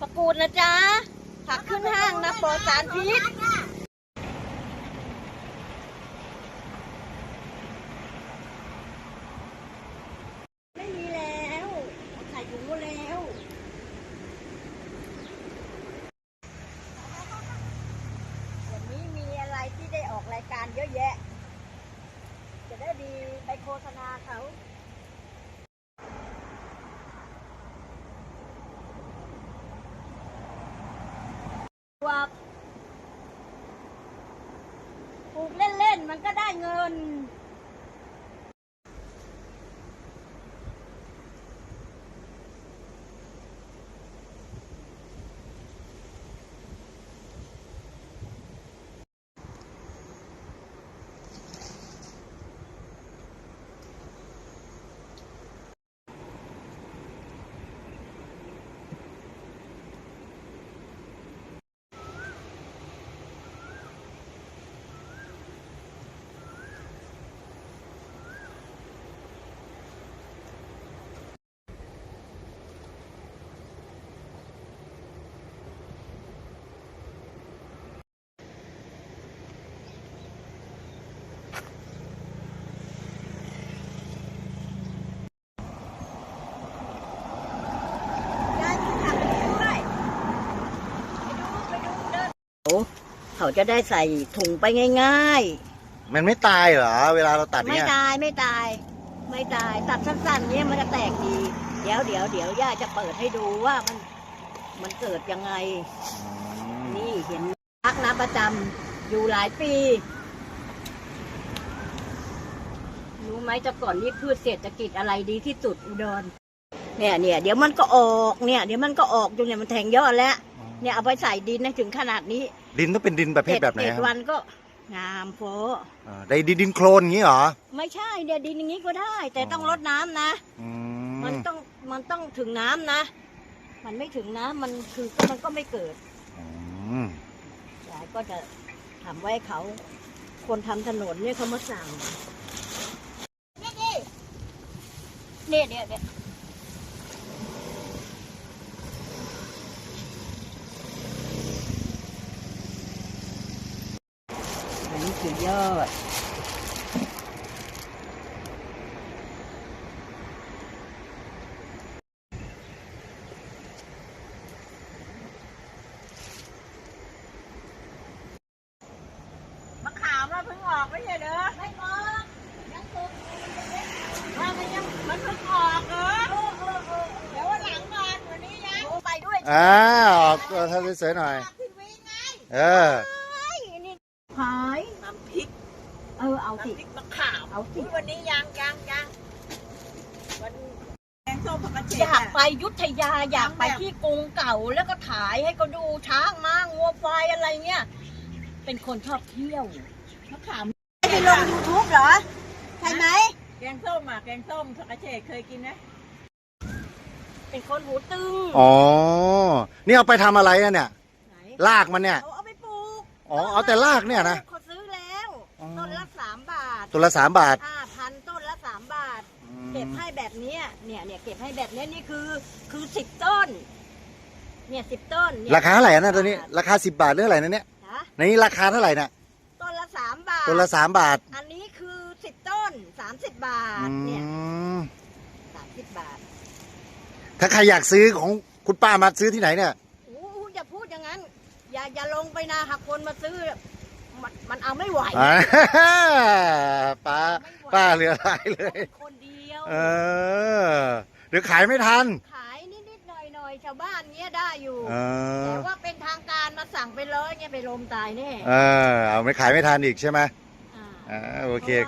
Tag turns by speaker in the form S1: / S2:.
S1: ประกูดนะจ๊ะผักขึ้นห้างนะปลอดสารพิษไม่มีแล้วใส่ถุงหมดแล้ววันนี้มีอะไรที่ได้ออกรายการเยอะแยะจะได้ดีไปโฆษณาเขาว่าปลูกเล่นๆมันก็ได้เงินเขาจะได้ใส่ถุงไปง่าย
S2: มันไม่ตายเหรอเวลาเราตัด
S1: ๆไม่
S2: เนี่ย
S1: ตายไม่ตายไม่ตายตัดสั้นๆเนี่ยมันจะแตกดีเดี๋ยวย่าจะเปิดให้ดูว่ามันเกิดยังไงนี่เห็นพักน้ำประจำอยู่หลายปีรู้ไหมแต่ก่อนนี่พืชเศรษฐกิจอะไรดีที่สุดอุดรเนี่ยเดี๋ยวมันก็ออกเนี่ยเดี๋ยวมันก็ออกจนเนี่ยมันแทงยอดแล้วเนี่ยเอาไปใส่ดินนะถึงขนาดนี้
S2: ดินต้องเป็นดินประเภทแบบไหนครับ
S1: 7 วันก็งามโฟ
S2: ได้ดินโคลนอย่างนี้เหรอ
S1: ไม่ใช่เดี๋ยวดินอย่างนี้ก็ได้ แต่ต้องรดน้ำนะมันต้องถึงน้ำนะมันไม่ถึงน้ำมันก็ไม่เกิดยายก็จะทำไว้เขาคนทำถนนเนี่ยเขามาสั่งเนี่ยเดี๋ยวอันนี้คือยอดมะขามมันเพิ่งออกไม่ใช่เหรอไม่ออกยังสุกว่ามันเพิ่งออกเหรอเดี๋ยววันหลังก่อนวันนี้นะไปด้วย
S2: ออกตัวทำสวยๆหน่อย
S1: ขายน้ำพริกเอาสิ
S3: น้ำพริกมะขาม
S1: เอาสิ
S3: วันนี้ยังวันแกงส้มผักกระเฉด
S1: อยากไปยุทธยาอยากไปที่กรุงเก่าแล้วก็ถ่ายให้เขาดูช้างม้างัวควายอะไรเงี้ยเป็นคนชอบเที่ยวมะขามไปลง YouTube เหรอใช่ไหม
S3: แกงส้มแกงส้มผักกระเฉดเคยกินไหม
S1: เป็นคนหูตึง
S2: อ๋อนี่เอาไปทำอะไรอะเนี่ยรากมันเนี่ย
S1: เอาไปปลูก
S2: เอาแต่รากเนี่ยนะ
S1: เขาซื้อแล้วต้นละ3 บาท
S2: ต้นละ3 บาท
S1: 5,000ต้นละ3 บาทเก็บให้แบบนี้เนี่ยเก็บให้แบบนี้นี่คือ10 ต้นเนี่ย10 ต้น
S2: ราคาเท่าไหร่นะตัวนี้ราคา10 บาทหรืออะไรนะเนี่ยในนี้ราคาเท่าไหร่นะ
S1: ต้นละ3 บาท
S2: ต้นละ3 บาท
S1: อันนี้คือ10 ต้น30 บาทเนี่ย30 บาท
S2: ถ้าใครอยากซื้อของคุณป้ามาซื้อที่ไหนเนี่ย
S1: อย่าพูดอย่างนั้นอย่าลงไปนะหากคนมาซื้อมันเอาไม่ไหว
S2: ป้าเหลือหลายเลย
S1: คนเดียว
S2: เดี๋ยวขายไม่ทัน
S1: ขายนิดหน่อยชาวบ้านเงี้ยได้อยู่แต่ว่าเป็นทางการมาสั่งไปเลยเงี้ยไปลมตายแน่
S2: เอาไม่ขายไม่ทันอีกใช่ไหมโอเค